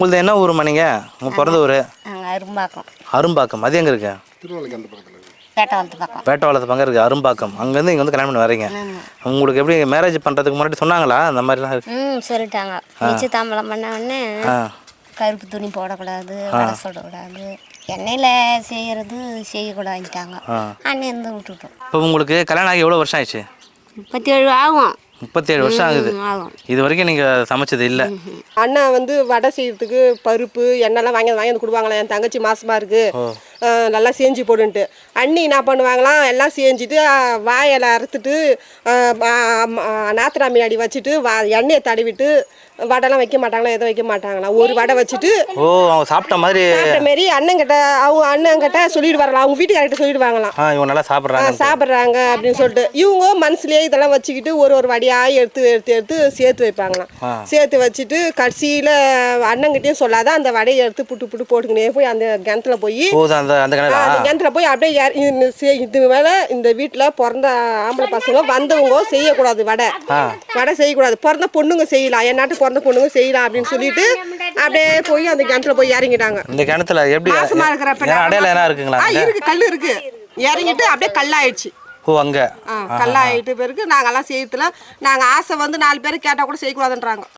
உங்களுது என்ன ஊருமா நீங்கள் உங்கள் பிறந்த ஊர்? அரும்பாக்கம். அரும்பாக்கம். அது எங்கே இருக்கு? பேட்டவாளத்து பக்கம். பேட்டவாளத்து பக்கம் இருக்குது அரும்பாக்கம். அங்கேருந்து இங்கே வந்து கல்யாணம் பண்ணி வரீங்க. உங்களுக்கு எப்படி மேரேஜ் பண்ணுறதுக்கு முன்னாடி சொன்னாங்களா அந்த மாதிரிலாம் இருக்கு? சொல்லிட்டாங்க. நிச்சயதாம்பலம் பண்ண உடனே கருப்பு துணி போடக்கூடாது, வடை சொல்லக்கூடாது, எண்ணெயில் செய்கிறது செய்யக்கூடாதுட்டாங்க. அன்னையிருந்து விட்டுட்டோம். இப்போ உங்களுக்கு கல்யாணம் ஆகி எவ்வளோ வருஷம் ஆயிடுச்சு? 37 ஆகும். 37 வருஷம் ஆகுது. இது வரைக்கும் நீங்கள் சமைச்சது இல்லை? அண்ணா வந்து வடை செய்யறதுக்கு பருப்பு எண்ணெய்லாம் வாங்கி வந்து கொடுப்பாங்களா. என் தங்கச்சி மாசமாக இருக்குது, நல்லா செஞ்சு போடுன்ட்டு. அண்ணி என்ன பண்ணுவாங்களாம், எல்லாம் செஞ்சுட்டு வாயில் அறுத்துட்டு நாத்திரா முன்னாடி வச்சுட்டு எண்ணெயை தடவிட்டு வடைலாம் வைக்க மாட்டாங்களா, எதுவும் வைக்க மாட்டாங்களா. ஒரு வடை வச்சுட்டு அவங்க சாப்பிட்ட மாதிரி அண்ணங்கிட்ட அவங்க அண்ணங்கிட்ட சொல்லிட்டு வரலாம், அவங்க வீட்டுக்காரர்கிட்ட சொல்லிடுவாங்களாம் இவங்க நல்லா சாப்பிட்றாங்க அப்படின்னு சொல்லிட்டு. இவங்க மனசுலேயே இதெல்லாம் வச்சுக்கிட்டு ஒரு வடையாக எடுத்து எடுத்து எடுத்து சேர்த்து வைப்பாங்களாம். சேர்த்து வச்சுட்டு கடைசியில் அண்ணங்கிட்டையும் சொல்லாத அந்த வடையை எடுத்து புட்டு புட்டு போட்டுக்கினே போய் அந்த கிணத்துல போய் கிணத்துல போய் அப்படியே இது மேலே இந்த வீட்டில் பிறந்த ஆம்பளை பசங்க வந்தவங்க செய்யக்கூடாது, வடை செய்யக்கூடாது, பிறந்த பொண்ணுங்க செய்யலாம், என் நாட்டு பிறந்த பொண்ணுங்க செய்யலாம் அப்படின்னு சொல்லிட்டு அப்படியே போய் அந்த கிணத்துல போய் இறங்கிட்டாங்க. இந்த கிணத்துல எப்படி மாசமா இருக்கிறப்ப அடையாளம் இருக்குங்களா? இருக்கு, கல் இருக்கு. இறங்கிட்டு அப்படியே கல்லாயிடுச்சு. அங்க கல்லாயிட்டு பிறகு நாங்கெல்லாம் செய்யறதுல நாங்கள் ஆசை வந்து 4 பேர் கேட்டால் கூட செய்யக்கூடாதுன்றாங்க.